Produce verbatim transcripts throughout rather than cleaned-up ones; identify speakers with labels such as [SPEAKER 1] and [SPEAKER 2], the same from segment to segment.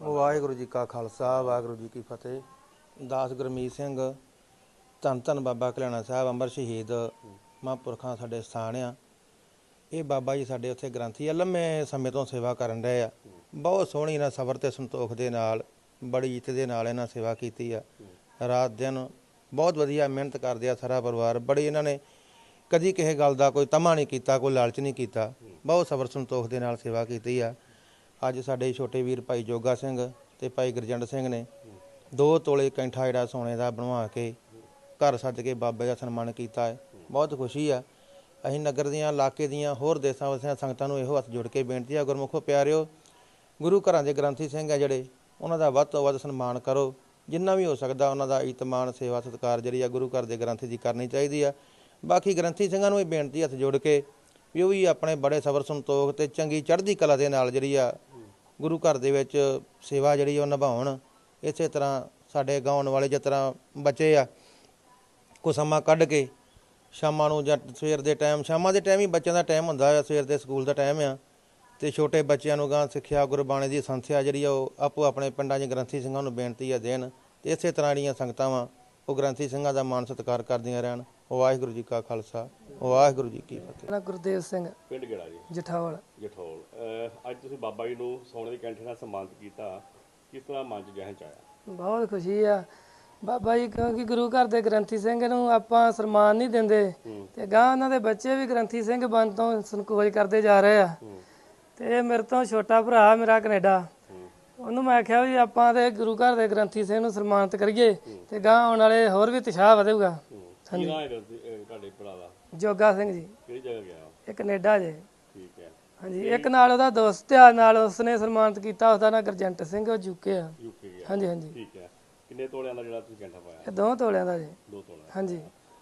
[SPEAKER 1] ਵਾਹਿਗੁਰੂ ਜੀ ਕਾ ਖਾਲਸਾ ਵਾਹਿਗੁਰੂ ਜੀ ਕੀ ਫਤਿਹ। ਦਾਸ ਗੁਰਮੀਤ ਸਿੰਘ ਧੰਨ ਧੰਨ ਬਾਬਾ ਕਲਿਆਣਾ ਸਾਹਿਬ ਅੰਮ੍ਰਿਤ ਸ਼ਹੀਦ ਮਹਾਂਪੁਰਖਾਂ ਸਾਡੇ ਸਥਾਨ ਆ। ਇਹ ਬਾਬਾ ਜੀ ਸਾਡੇ ਉੱਥੇ ਗ੍ਰੰਥੀ ਆ, ਲੰਮੇ ਸਮੇਂ ਤੋਂ ਸੇਵਾ ਕਰਨ ਰਹੇ ਆ। ਬਹੁਤ ਸੋਹਣੀ ਇਹਨਾਂ ਸਬਰ ਅਤੇ ਸੰਤੋਖ ਦੇ ਨਾਲ, ਬੜੀ ਇੱਜ਼ਤ ਦੇ ਨਾਲ ਇਹਨਾਂ ਸੇਵਾ ਕੀਤੀ ਆ। ਰਾਤ ਦਿਨ ਬਹੁਤ ਵਧੀਆ ਮਿਹਨਤ ਕਰਦੇ ਆ ਸਾਰਾ ਪਰਿਵਾਰ। ਬੜੀ ਇਹਨਾਂ ਨੇ ਕਦੀ ਕਿਸੇ ਗੱਲ ਦਾ ਕੋਈ ਤਮਾ ਨਹੀਂ ਕੀਤਾ, ਕੋਈ ਲਾਲਚ ਨਹੀਂ ਕੀਤਾ। ਬਹੁਤ ਸਬਰ ਸੰਤੋਖ ਦੇ ਨਾਲ ਸੇਵਾ ਕੀਤੀ ਆ। ਅੱਜ ਸਾਡੇ ਛੋਟੇ ਵੀਰ ਭਾਈ ਜੋਗਾ ਸਿੰਘ ਅਤੇ ਭਾਈ ਗੁਰਜੰਟ ਸਿੰਘ ਨੇ ਦੋ ਤੋਲੇ ਕੈਂਠਾ ਜਿਹੜਾ ਸੋਨੇ ਦਾ ਬਣਵਾ ਕੇ ਘਰ ਸੱਜ ਕੇ ਬਾਬੇ ਦਾ ਸਨਮਾਨ ਕੀਤਾ ਹੈ। ਬਹੁਤ ਖੁਸ਼ੀ ਆ। ਅਸੀਂ ਨਗਰ ਦੀਆਂ, ਇਲਾਕੇ ਦੀਆਂ, ਹੋਰ ਦੇਸਾਂ ਵਸਿਆਂ ਸੰਗਤਾਂ ਨੂੰ ਇਹੋ ਹੱਥ ਜੋੜ ਕੇ ਬੇਨਤੀ ਆ, ਗੁਰਮੁਖੋ ਪਿਆਰਿਓ, ਗੁਰੂ ਘਰਾਂ ਦੇ ਗ੍ਰੰਥੀ ਸਿੰਘ ਆ ਜਿਹੜੇ, ਉਹਨਾਂ ਦਾ ਵੱਧ ਤੋਂ ਵੱਧ ਸਨਮਾਨ ਕਰੋ। ਜਿੰਨਾ ਵੀ ਹੋ ਸਕਦਾ ਉਹਨਾਂ ਦਾ ਇਤਮਾਨ, ਸੇਵਾ, ਸਤਿਕਾਰ ਜਿਹੜੀ ਆ ਗੁਰੂ ਘਰ ਦੇ ਗ੍ਰੰਥੀ ਦੀ ਕਰਨੀ ਚਾਹੀਦੀ ਆ। ਬਾਕੀ ਗ੍ਰੰਥੀ ਸਿੰਘਾਂ ਨੂੰ ਇਹ ਬੇਨਤੀ ਹੱਥ ਜੋੜ ਕੇ ਵੀ ਉਹ ਵੀ ਆਪਣੇ ਬੜੇ ਸਬਰ ਸੰਤੋਖ ਅਤੇ ਚੰਗੀ ਚੜ੍ਹਦੀ ਕਲਾ ਦੇ ਨਾਲ ਜਿਹੜੀ ਆ ਗੁਰੂ ਘਰ ਦੇ ਵਿੱਚ ਸੇਵਾ ਜਿਹੜੀ ਉਹ ਨਿਭਾਉਣ। ਇਸੇ ਤਰ੍ਹਾਂ ਸਾਡੇ ਗਾਉਣ ਵਾਲੇ ਜਿਸ ਤਰ੍ਹਾਂ ਬੱਚੇ ਆ, ਕੁਛ ਸਮਾਂ ਕੱਢ ਕੇ ਸ਼ਾਮਾਂ ਨੂੰ ਜਾਂ ਸਵੇਰ ਦੇ ਟਾਈਮ, ਸ਼ਾਮਾਂ ਦੇ ਟਾਈਮ ਹੀ ਬੱਚਿਆਂ ਦਾ ਟਾਈਮ ਹੁੰਦਾ ਆ, ਸਵੇਰ ਦੇ ਸਕੂਲ ਦਾ ਟਾਈਮ ਆ, ਅਤੇ ਛੋਟੇ ਬੱਚਿਆਂ ਨੂੰ ਗਾਂ ਸਿੱਖਿਆ, ਗੁਰਬਾਣੀ ਦੀ ਸੰਥਿਆ ਜਿਹੜੀ ਆ ਉਹ ਆਪੋ ਆਪਣੇ ਪਿੰਡਾਂ 'ਚ ਗ੍ਰੰਥੀ ਸਿੰਘਾਂ ਨੂੰ ਬੇਨਤੀ ਆ ਦੇਣ। ਅਤੇ ਇਸੇ ਤਰ੍ਹਾਂ ਜਿਹੜੀਆਂ ਸੰਗਤਾਂ ਵਾ ਉਹ ਗ੍ਰੰਥੀ ਸਿੰਘਾਂ ਦਾ ਮਾਣ ਸਤਿਕਾਰ ਕਰਦੀਆਂ ਰਹਿਣ। ਵਾਹਿਗੁਰੂ ਜੀ ਕਾ ਖਾਲਸਾ ਵਾਹਿਗੁਰੂ ਜੀ ਕੀ ਫਤਿਹ।
[SPEAKER 2] ਮੇਰਾ ਗੁਰਦੇਵ ਸਿੰਘ,
[SPEAKER 3] ਪਿੰਡ ਕਿਹੜਾ ਜੀ?
[SPEAKER 2] ਜਠੌਲ।
[SPEAKER 3] ਜਠੌਲ। ਅੱਜ ਤੁਸੀਂ ਬਾਬਾ ਜੀ ਨੂੰ ਸੋਨੇ ਦੇ ਕੈਂਠੇ ਨਾਲ ਸਨਮਾਨਿਤ ਕੀਤਾ, ਕਿਸ ਤਰ੍ਹਾਂ ਮਨ 'ਚ ਜਹਨ 'ਚ ਆਇਆ?
[SPEAKER 2] ਬਹੁਤ ਖੁਸ਼ੀ ਆ ਬਾਬਾ ਜੀ, ਕਿਉਂਕਿ ਗੁਰੂ ਘਰ ਦੇ ਗ੍ਰੰਥੀ ਸਿੰਘ ਨੂੰ ਆਪਾਂ ਸਨਮਾਨ ਨਹੀਂ ਦਿੰਦੇ ਤੇ ਗਾਂ ਉਹਨਾਂ ਦੇ ਬੱਚੇ ਵੀ ਗ੍ਰੰਥੀ ਸਿੰਘ ਬਣ ਤੋਂ ਸੰਕੋਚ ਕਰਦੇ ਜਾ ਰਹੇ ਆ। ਤੇ ਇਹ ਮੇਰੇ ਤੋਂ ਛੋਟਾ ਭਰਾ ਮੇਰਾ ਕੈਨੇਡਾ, ਉਹਨੂੰ ਮੈਂ ਆਖਿਆ ਵੀ ਆਪਾਂ ਤੇ ਗੁਰੂ ਘਰ ਦੇ ਗ੍ਰੰਥੀ ਸਿੰਘ ਨੂੰ ਸਨਮਾਨਿਤ ਕਰੀਏ ਤੇ ਗਾਂ ਆਉਣ ਵਾਲੇ ਹੋਰ ਵੀ ਉਤਸ਼ਾਹ ਵਧੇਗਾ।
[SPEAKER 3] ਕੀ ਨਾਮ ਹੈ ਤੁਹਾਡੇ ਭਰਾ ਦਾ?
[SPEAKER 2] ਜੋਗਾ ਸਿੰਘ ਜੀ।
[SPEAKER 3] ਕਿਹੜੀ ਜਗ੍ਹਾ ਗਿਆ?
[SPEAKER 2] ਇਹ ਕੈਨੇਡਾ ਜੇ।
[SPEAKER 3] ਠੀਕ ਹੈ।
[SPEAKER 2] ਹਾਂਜੀ, ਇੱਕ ਨਾਲ ਉਹਦਾ ਦੋਸਤ ਆ, ਨਾਲ ਉਸਨੇ ਸਨਮਾਨਿਤ ਕੀਤਾ, ਉਹਦਾ ਨਾਂ ਗੁਰਜੰਟ ਸਿੰਘ, ਉਹ ਯੂਕੇ ਆ।
[SPEAKER 3] ਯੂਕੇ ਗਿਆ?
[SPEAKER 2] ਹਾਂਜੀ ਹਾਂਜੀ।
[SPEAKER 3] ਠੀਕ ਹੈ। ਕਿੰਨੇ ਤੋਲਿਆਂ ਦਾ ਜਿਹੜਾ ਤੁਸੀਂ ਕੈਂਠਾ ਪਾਇਆ?
[SPEAKER 2] ਇਹ ਦੋ ਤੋਲਿਆਂ ਦਾ ਜੀ।
[SPEAKER 3] ਦੋ ਤੋਲਿਆਂ।
[SPEAKER 2] ਹਾਂਜੀ।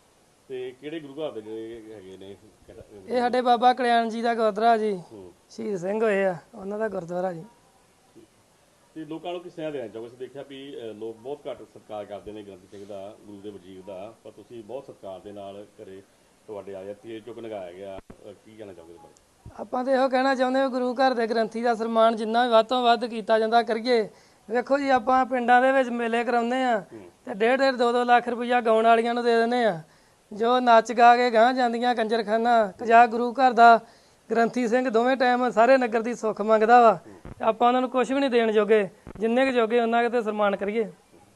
[SPEAKER 3] ਤੇ ਕਿਹੜੇ ਗੁਰੂ ਘਰ ਦੇ ਜਿਹੜੇ ਹੈਗੇ ਨੇ?
[SPEAKER 2] ਇਹ ਸਾਡੇ ਬਾਬਾ ਕਲਿਆਣ ਜੀ ਦਾ ਗੁਰਦੁਆਰਾ ਜੀ, ਸ਼ਹੀਦ ਸਿੰਘ ਹੋਏ ਆ, ਉਹਨਾਂ ਦਾ ਗੁਰਦੁਆਰਾ ਜੀ।
[SPEAKER 3] ਤੇ ਲੋਕਾਂ ਨੂੰ ਕਿਸ ਤਰ੍ਹਾਂ ਦੇਣਾ ਚਾਹੋਗੇ? ਅਸੀਂ ਦੇਖਿਆ ਵੀ ਲੋਕ ਬਹੁਤ ਘੱਟ ਸਤਿਕਾਰ ਕਰਦੇ ਨੇ ਗ੍ਰੰਥੀ ਸਿੰਘ ਦਾ, ਗੁਰੂ ਦੇ ਵਜੀਰ ਦਾ, ਪਰ ਤੁਸੀਂ ਬਹੁਤ ਸਤਿਕਾਰ ਦੇ ਨਾਲ ਘਰੇ ਤੁਹਾਡੇ ਆਏ ਤੇਜ ਚੁੱਕ ਲਗਾਇਆ ਗਿਆ, ਕੀ ਕਹਿਣਾ ਚਾਹੋਗੇ ਇਸ ਬਾਰੇ?
[SPEAKER 2] ਆਪਾਂ ਤਾਂ ਇਹੋ ਕਹਿਣਾ ਚਾਹੁੰਦੇ ਹਾਂ, ਗੁਰੂ ਘਰ ਦੇ ਗ੍ਰੰਥੀ ਦਾ ਸਨਮਾਨ ਜਿੰਨਾ ਵੀ ਵੱਧ ਤੋਂ ਵੱਧ ਕੀਤਾ ਜਾਂਦਾ ਕਰੀਏ। ਵੇਖੋ ਜੀ, ਆਪਾਂ ਪਿੰਡਾਂ ਦੇ ਵਿੱਚ ਮੇਲੇ ਕਰਾਉਂਦੇ ਆ ਤੇ ਡੇਢ ਡੇਢ ਦੋ ਦੋ ਲੱਖ ਰੁਪਈਆ ਗਾਉਣ ਵਾਲੀਆਂ ਨੂੰ ਦੇ ਦਿੰਦੇ ਆ, ਜੋ ਨੱਚ ਗਾ ਕੇ ਗਾਂ ਜਾਂਦੀਆਂ ਕੰਜਰਖਾਨਾ। ਕਜਾ ਗੁਰੂ ਘਰ ਦਾ ਗ੍ਰੰਥੀ ਸਿੰਘ ਦੋਵੇਂ ਟਾਈਮ ਸਾਰੇ ਨਗਰ ਦੀ ਸੁੱਖ ਮੰਗਦਾ ਵਾ, ਆਪਾਂ ਉਹਨਾਂ ਨੂੰ ਕੁਝ ਵੀ ਨਹੀਂ ਦੇਣ ਜੋਗੇ, ਜਿੰਨੇ ਕੁ ਜੋਗੇ ਉਹਨਾਂ ਕੁ ਤੇ ਸਨਮਾਨ ਕਰੀਏ।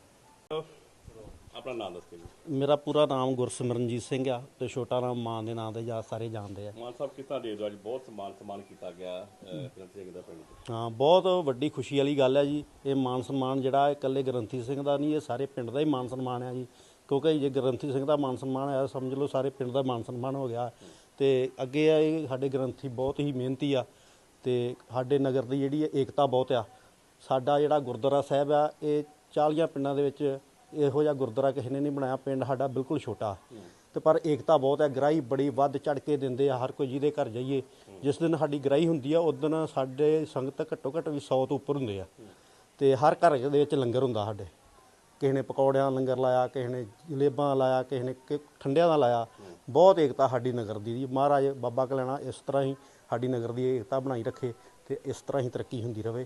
[SPEAKER 3] ਆਪਣਾ ਨਾਮ ਦੱਸ ਕੇ ਜੀ।
[SPEAKER 4] ਮੇਰਾ ਪੂਰਾ ਨਾਮ ਗੁਰਸਿਮਰਨਜੀਤ ਸਿੰਘ ਆ ਤੇ ਛੋਟਾ ਨਾਮ ਮਾਨ ਦੇ ਨਾਂ ਤੇ ਜਾਂ ਸਾਰੇ ਜਾਣਦੇ ਆ।
[SPEAKER 3] ਮਾਨ ਸਾਹਿਬ, ਕਿਸ ਤਰ੍ਹਾਂ ਦੇ ਦਿਓ ਅੱਜ ਬਹੁਤ ਸਨਮਾਨ ਸਨਮਾਨ ਕੀਤਾ ਗਿਆ ਗ੍ਰੰਥੀ ਸਿੰਘ ਦਾ ਪਿੰਡ 'ਚ?
[SPEAKER 4] ਹਾਂ, ਬਹੁਤ ਵੱਡੀ ਖੁਸ਼ੀ ਵਾਲੀ ਗੱਲ ਹੈ ਜੀ। ਇਹ ਮਾਨ ਸਨਮਾਨ ਜਿਹੜਾ ਇਕੱਲੇ ਗ੍ਰੰਥੀ ਸਿੰਘ ਦਾ ਨਹੀਂ, ਇਹ ਸਾਰੇ ਪਿੰਡ ਦਾ ਹੀ ਮਾਨ ਸਨਮਾਨ ਆ ਜੀ। ਕਿਉਂਕਿ ਜੇ ਗ੍ਰੰਥੀ ਸਿੰਘ ਦਾ ਮਾਨ ਸਨਮਾਨ ਆਇਆ, ਸਮਝ ਲਓ ਸਾਰੇ ਪਿੰਡ ਦਾ ਮਾਨ ਸਨਮਾਨ ਹੋ ਗਿਆ। ਤੇ ਅੱਗੇ ਆ, ਇਹ ਸਾਡੇ ਗ੍ਰੰਥੀ ਬਹੁਤ ਹੀ ਮਿਹਨਤੀ ਆ ਤੇ ਸਾਡੇ ਨਗਰ ਦੀ ਜਿਹੜੀ ਏਕਤਾ ਬਹੁਤ ਆ। ਸਾਡਾ ਜਿਹੜਾ ਗੁਰਦੁਆਰਾ ਸਾਹਿਬ ਆ, ਇਹ ਚਾਲੀਆਂ ਪਿੰਡਾਂ ਦੇ ਵਿੱਚ ਇਹੋ ਜਿਹਾ ਗੁਰਦੁਆਰਾ ਕਿਸੇ ਨੇ ਨਹੀਂ ਬਣਾਇਆ। ਪਿੰਡ ਸਾਡਾ ਬਿਲਕੁਲ ਛੋਟਾ ਤੇ ਪਰ ਏਕਤਾ ਬਹੁਤ ਹੈ। ਗ੍ਰਾਹੀ ਬੜੀ ਵੱਧ ਚੜ ਕੇ ਦਿੰਦੇ ਆ, ਹਰ ਕੋਈ ਜਿਹਦੇ ਘਰ ਜਾਈਏ। ਜਿਸ ਦਿਨ ਸਾਡੀ ਗ੍ਰਾਹੀ ਹੁੰਦੀ ਆ, ਉਸ ਦਿਨ ਸਾਡੇ ਸੰਗਤ ਘੱਟੋ ਘੱਟ ਵੀ ਸੌ ਤੋਂ ਉੱਪਰ ਹੁੰਦੇ ਆ ਤੇ ਹਰ ਘਰ ਦੇ ਵਿੱਚ ਲੰਗਰ ਹੁੰਦਾ ਸਾਡੇ। ਕਿਸੇ ਨੇ ਪਕੌੜਿਆਂ ਲੰਗਰ ਲਾਇਆ, ਕਿਸੇ ਨੇ ਜਲੇਬਾਂ ਲਾਇਆ, ਕਿਸੇ ਨੇ ਠੰਡਿਆਂ ਦਾ ਲਾਇਆ। ਬਹੁਤ ਏਕਤਾ ਸਾਡੀ ਨਗਰ ਦੀ। ਮਹਾਰਾਜ ਬਾਬਾ ਕਲਿਆਣਾ ਇਸ ਤਰ੍ਹਾਂ ਹੀ ਸਾਡੀ ਨਗਰ ਦੀ ਏਕਤਾ ਬਣਾਈ ਰੱਖੇ ਤੇ ਇਸ ਤਰ੍ਹਾਂ ਹੀ ਤਰੱਕੀ ਹੁੰਦੀ ਰਹੇ।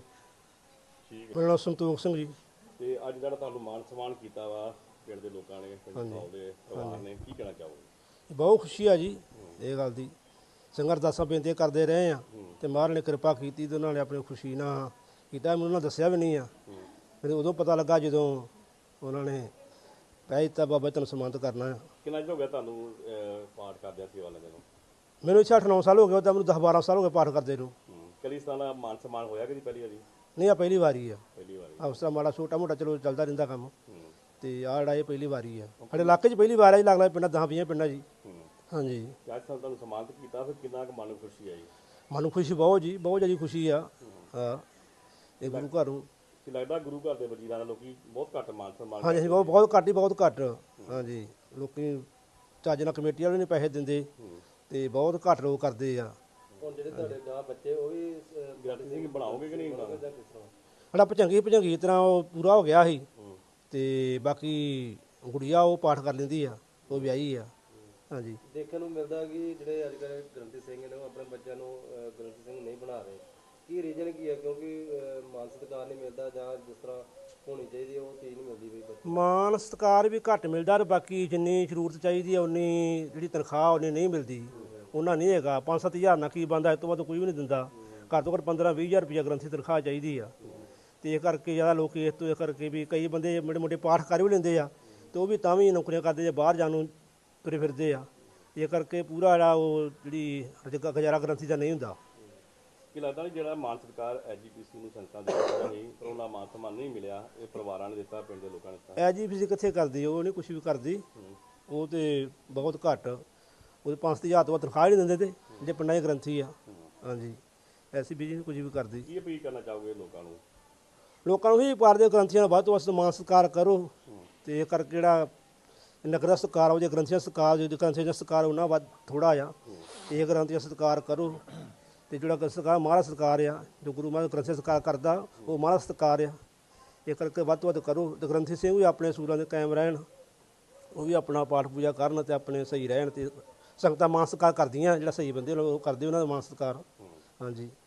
[SPEAKER 5] ਮੇਰਾ ਨਾਮ ਸੰਤੋਖ ਸਿੰਘ ਜੀ।
[SPEAKER 3] ਤੇ ਅੱਜ ਜਿਹੜਾ ਤੁਹਾਨੂੰ ਮਾਨ ਸਨਮਾਨ ਕੀਤਾ ਵਾ ਪਿੰਡ ਦੇ ਲੋਕਾਂ ਨੇ, ਪਿੰਡ ਦੇ ਪਰਿਵਾਰ ਨੇ, ਕੀ ਕਹਿਣਾ ਚਾਹੋਗੇ?
[SPEAKER 5] ਬਹੁਤ ਖੁਸ਼ੀ ਆ ਜੀ ਇਹ ਗੱਲ ਦੀ। ਸੰਗਤ ਦਾਸਾਂ ਬੇਨਤੀਆਂ ਕਰਦੇ ਰਹੇ ਆ ਤੇ ਮਹਾਰਾਜ ਨੇ ਕਿਰਪਾ ਕੀਤੀ ਤੇ ਉਹਨਾਂ ਨੇ ਆਪਣੀ ਖੁਸ਼ੀ ਨਾਲ ਕੀਤਾ। ਮੈਨੂੰ ਉਹਨਾਂ ਦੱਸਿਆ ਵੀ ਨਹੀਂ ਆ, ਮੈਨੂੰ ਉਦੋਂ ਪਤਾ ਲੱਗਾ ਜਦੋਂ ਉਹਨਾਂ ਨੇ ਕਹਿ ਦਿੱਤਾ ਬਾਬਾ ਤੁਹਾਨੂੰ ਸਨਮਾਨਿਤ ਕਰਨਾ ਆ।
[SPEAKER 3] ਕਿੰਨਾ ਚਿਰ ਹੋ ਗਿਆ ਤੁਹਾਨੂੰ ਪਾਠ ਕਰਦਿਆਂ ਸੇਵਾ ਲੈਣ ਨੂੰ?
[SPEAKER 5] ਮੈਨੂੰ ਇੱਥੇ ਅੱਠ ਨੌ ਸਾਲ ਹੋ ਗਏ, ਤਾਂ ਮੈਨੂੰ ਦਸ ਬਾਰਾਂ ਸਾਲ ਹੋ ਗਏ ਪਾਠ ਕਰਦੇ ਨੂੰ।
[SPEAKER 3] ਕਦੀ ਇਸ ਤਰ੍ਹਾਂ ਦਾ ਮਾਨ ਸਨਮਾਨ ਹੋਇਆ ਕਦੀ ਪਹਿਲੀ ਵਾਰੀ?
[SPEAKER 5] ਨਹੀਂ, ਆ ਪਹਿਲੀ ਵਾਰੀ ਆ।
[SPEAKER 3] ਪਹਿਲੀ ਵਾਰੀ।
[SPEAKER 5] ਆ ਉਸ ਤਰ੍ਹਾਂ ਮਾੜਾ ਛੋਟਾ ਮੋਟਾ ਚਲੋ ਚੱਲਦਾ ਰਹਿੰਦਾ ਕੰਮ, ਤੇ ਆਹ ਜਿਹੜਾ ਇਹ ਪਹਿਲੀ ਵਾਰੀ ਆ ਸਾਡੇ ਇਲਾਕੇ 'ਚ। ਪਹਿਲੀ ਵਾਰ ਆ ਜੀ, ਲੱਗਦਾ ਪਿੰਡਾਂ ਦਸਾਂ ਵੀਹਾਂ ਪਿੰਡਾਂ ਜੀ। ਹਾਂਜੀ।
[SPEAKER 3] ਅੱਜ ਤੁਹਾਨੂੰ ਸਨਮਾਨਿਤ ਕੀਤਾ, ਫਿਰ ਕਿੰਨਾ ਕੁ ਮਨ ਨੂੰ ਖੁਸ਼ੀ ਆਈ?
[SPEAKER 5] ਮਨ ਨੂੰ ਖੁਸ਼ੀ ਬਹੁਤ ਜੀ, ਬਹੁਤ ਜ਼ਿਆਦਾ ਖੁਸ਼ੀ ਆ। ਹਾਂ, ਇਹ ਗੁਰੂ ਘਰ ਨੂੰ
[SPEAKER 3] ਕੀ ਲੱਗਦਾ ਗੁਰੂ ਘਰ ਦੇ ਵਜੀਰਾਂ ਦਾ ਲੋਕੀ ਬਹੁਤ ਘੱਟ ਮਾਨ ਸਨਮਾਨ?
[SPEAKER 5] ਹਾਂਜੀ, ਬਹੁਤ ਬਹੁਤ ਘੱਟ ਹੀ, ਬਹੁਤ ਘੱਟ। ਹਾਂਜੀ, ਲੋਕੀ ਚੱਜ ਨਾਲ ਕਮੇਟੀ ਵਾਲੇ ਨਹੀਂ ਪੈਸੇ ਦਿੰਦੇ ਤੇ ਬਹੁਤ ਘੱਟ ਲੋਕ ਕਰਦੇ ਆ।
[SPEAKER 3] ਹੁਣ ਜਿਹੜੇ ਤੁਹਾਡੇ ਗਾਂ ਬੱਚੇ ਉਹ ਵੀ ਗ੍ਰੰਥੀ ਸਿੰਘ ਬਣਾਓਗੇ ਕਿ ਨਹੀਂ ਬਣਾਓਗੇ?
[SPEAKER 5] ਸਾਡਾ ਭਜੰਗੀ ਭਜੰਗੀ ਤਰ੍ਹਾਂ ਉਹ ਪੂਰਾ ਹੋ ਗਿਆ ਸੀ ਤੇ ਬਾਕੀ ਗੁੜੀਆ ਉਹ ਪਾਠ ਕਰ ਲੈਂਦੀ ਆ, ਉਹ ਵਿਆਹੀ ਆ। ਹਾਂਜੀ।
[SPEAKER 6] ਦੇਖਣ ਨੂੰ ਮਿਲਦਾ ਕਿ ਜਿਹੜੇ ਅੱਜ ਕੱਲ੍ਹ ਗ੍ਰੰਥੀ ਸਿੰਘ ਨੇ ਉਹ ਆਪਣੇ ਬੱਚਿਆਂ ਨੂੰ ਗ੍ਰੰਥੀ ਸਿੰਘ ਨਹੀਂ ਬਣਾ ਰਹੇ, ਕੀ ਰੀਜਨ ਕੀ ਹੈ? ਕਿਉਂਕਿ ਅਹ, ਮਾਨ ਸਤਿਕਾਰ ਨਹੀਂ ਮਿਲਦਾ ਜਾਂ ਜਿਸ ਤਰ੍ਹਾਂ ਹੋਣੀ ਚਾਹੀਦੀ ਹੈ ਉਹ ਚੀਜ਼ ਨਹੀਂ ਮਿਲਦੀ ਬਈ ਬੱਚੇ
[SPEAKER 5] ਮਾਨ ਸਤਿਕਾਰ ਵੀ ਘੱਟ ਮਿਲਦਾ ਤੇ ਬਾਕੀ ਜਿੰਨੀ ਜ਼ਰੂਰਤ ਚਾਹੀਦੀ ਹੈ ਉਨੀ ਜਿਹੜੀ ਤਨਖਾਹ ਉਨੀ ਨਹੀਂ ਮਿਲਦੀ। ਉਹਨਾਂ ਨਹੀਂ ਹੈਗਾ ਪੰਜ ਸੱਤ ਹਜ਼ਾਰ ਨਾਲ ਕੀ ਬੰਦਾ, ਇਸ ਤੋਂ ਵੱਧ ਕੋਈ ਵੀ ਨਹੀਂ ਦਿੰਦਾ। ਘੱਟ ਤੋਂ ਘੱਟ ਪੰਦਰਾਂ ਵੀਹ ਹਜ਼ਾਰ ਰੁਪਈਆ ਗ੍ਰੰਥੀ ਤਨਖਾਹ ਚਾਹੀਦੀ ਆ। ਤੇ ਇਹ ਕਰਕੇ ਜ਼ਿਆਦਾ ਲੋਕ ਇਸ ਤੋਂ ਇਹ ਕਰਕੇ ਵੀ ਕਈ ਬੰਦੇ ਮੋਟੇ ਮੋਟੇ ਪਾਠ ਕਰ ਵੀ ਲੈਂਦੇ ਆ ਤੇ ਉਹ ਵੀ ਤਾਂ ਵੀ ਨੌਕਰੀਆਂ ਕਰਦੇ ਜੇ ਬਾਹਰ ਜਾਣ ਨੂੰ ਤੁਰੇ ਫਿਰਦੇ ਆ। ਇਹ ਕਰਕੇ ਪੂਰਾ ਜਿਹੜਾ ਉਹ ਜਿਹੜੀ ਰੁਜ਼ਗਾ- ਗੁਜ਼ਾਰਾ ਗ੍ਰੰਥੀ ਦਾ ਨਹੀਂ ਹੁੰਦਾ।
[SPEAKER 3] ਕੀ ਲੱਗਦਾ ਨਹੀਂ ਜਿਹੜਾ ਮਾਨ ਸਤਿਕਾਰ ਐਜੀਪੀਸੀ ਨੂੰ ਸੰਗਤਾਂ ਦੇ ਦਿੱਤਾ ਸੀ ਪਰ ਉਹਨਾਂ ਮਾਨ ਸਨਮਾਨ ਨਹੀਂ ਮਿਲਿਆ, ਇਹ ਪਰਿਵਾਰਾਂ ਨੇ ਦਿੱਤਾ, ਪਿੰਡ ਦੇ ਲੋਕਾਂ ਨੇ ਦਿੱਤਾ?
[SPEAKER 5] ਐ ਜੀ ਫਿਜ਼ੀ ਕਿੱਥੇ ਕਰਦੀ, ਉਹ ਨਹੀਂ ਕੁਛ ਵੀ ਕਰਦੀ। ਉਹ ਤੇ ਬਹੁਤ ਘੱਟ, ਉਹਦੇ ਪੰਜ ਸੱਤ ਹਜ਼ਾਰ ਤੋਂ ਵੱਧ ਤਨਖਾਹ ਹੀ ਨਹੀਂ ਦਿੰਦੇ ਤੇ ਜਿਹੜੇ ਪਿੰਡਾਂ 'ਚ ਗ੍ਰੰਥੀ ਆ। ਹਾਂਜੀ, ਐਸੀ ਬਿਜੀ ਨਹੀਂ ਕੁਝ ਵੀ ਕਰਦੀ।
[SPEAKER 3] ਕੀ ਅਪੀਲ ਕਰਨਾ ਚਾਹੋਗੇ ਲੋਕਾਂ ਨੂੰ?
[SPEAKER 5] ਲੋਕਾਂ ਨੂੰ ਵੀ ਪਾਰਦੇ ਗ੍ਰੰਥੀਆਂ ਦਾ ਵੱਧ ਤੋਂ ਵੱਧ ਮਾਨ ਸਤਿਕਾਰ ਕਰੋ ਤੇ ਇਹ ਕਰਕੇ ਜਿਹੜਾ ਨਗਰ ਦਾ ਸਤਿਕਾਰ ਉਹ ਜੇ ਗ੍ਰੰਥੀਆਂ ਦਾ ਸਤਿਕਾਰ ਜੋ ਗ੍ਰੰਥੀਆਂ ਦਾ ਸਤਿਕਾਰ ਉਹਨਾਂ ਵੱਧ ਥੋੜਾ ਆ ਤੇ ਇਹ ਗ੍ਰੰਥੀਆਂ ਦਾ ਸਤਿਕਾਰ ਕਰੋ। ਤੇ ਜਿਹੜਾ ਸਤਿਕਾਰ ਮਹਾਰਾਜ ਸਤਿਕਾਰ ਆ, ਜੋ ਗੁਰੂ ਮਹਾਰਾਜ ਗ੍ਰੰਥੀ ਸਤਿਕਾਰ ਕਰਦਾ ਉਹ ਮਹਾਰਾਜ ਸਤਿਕਾਰ ਆ। ਇਹ ਕਰਕੇ ਵੱਧ ਤੋਂ ਵੱਧ ਕਰੋ ਤੇ ਗ੍ਰੰਥੀ ਸਿੰਘ ਵੀ ਆਪਣੇ ਸੂਰਾਂ ਦੇ ਕਾਇਮ ਰਹਿਣ, ਉਹ ਵੀ ਆਪਣਾ ਪਾਠ ਪੂਜਾ ਕਰਨ ਤੇ ਆਪਣੇ ਸਹੀ ਰਹਿਣ ਤੇ ਸੰਗਤਾਂ ਮਾਨ ਸਤਿਕਾਰ ਕਰਦੀਆਂ। ਜਿਹੜਾ ਸਹੀ ਬੰਦੇ ਉਹ ਕਰਦੇ ਉਹਨਾਂ ਦਾ ਮਾਨ ਸਤਿਕਾਰ। ਹਾਂਜੀ।